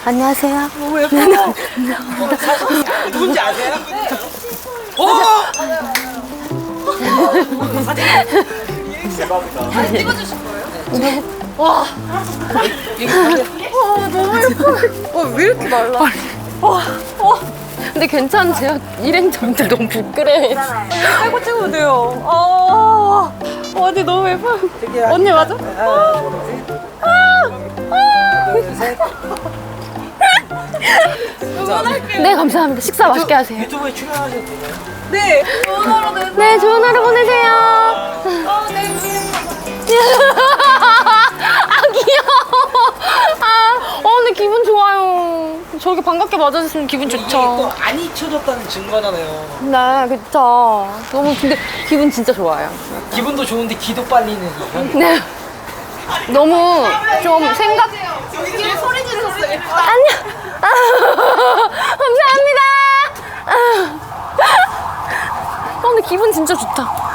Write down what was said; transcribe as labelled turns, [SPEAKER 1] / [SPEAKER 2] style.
[SPEAKER 1] 안녕하세요.
[SPEAKER 2] 너무 예뻐. 누군지 아세요? 오! 대박이다.
[SPEAKER 3] 사진 찍어주실 거예요?
[SPEAKER 1] 네.
[SPEAKER 3] 와. 너무 예뻐. 왜 이렇게 말라? 와.
[SPEAKER 1] 근데 괜찮으세요? 일행분들 너무 부끄러워해.
[SPEAKER 3] 빼고 찍으면 돼요. 언니 너무 예뻐. 언니 맞아? 응원할게요.
[SPEAKER 1] 네, 감사합니다. 식사 맛있게 하세요.
[SPEAKER 2] 유튜브에 출연하셔도 돼요.
[SPEAKER 3] 네. 응원하러 되세요.
[SPEAKER 1] 네, 좋은 하루 보내세요.
[SPEAKER 3] 네.
[SPEAKER 1] 아, 귀여워. 근데 기분 좋아요. 저렇게 반갑게 맞아주시면 기분
[SPEAKER 2] 또
[SPEAKER 1] 좋죠.
[SPEAKER 2] 안 잊혀졌다는 증거잖아요.
[SPEAKER 1] 네, 그쵸. 너무, 근데 기분 진짜 좋아요.
[SPEAKER 2] 기분도 좋은데 기도 빨리는 이런.
[SPEAKER 1] 네. 너무 좀 생각,
[SPEAKER 3] 여기 소리 지르셨어요.
[SPEAKER 1] 안녕. 감사합니다. 근데 기분 진짜 좋다.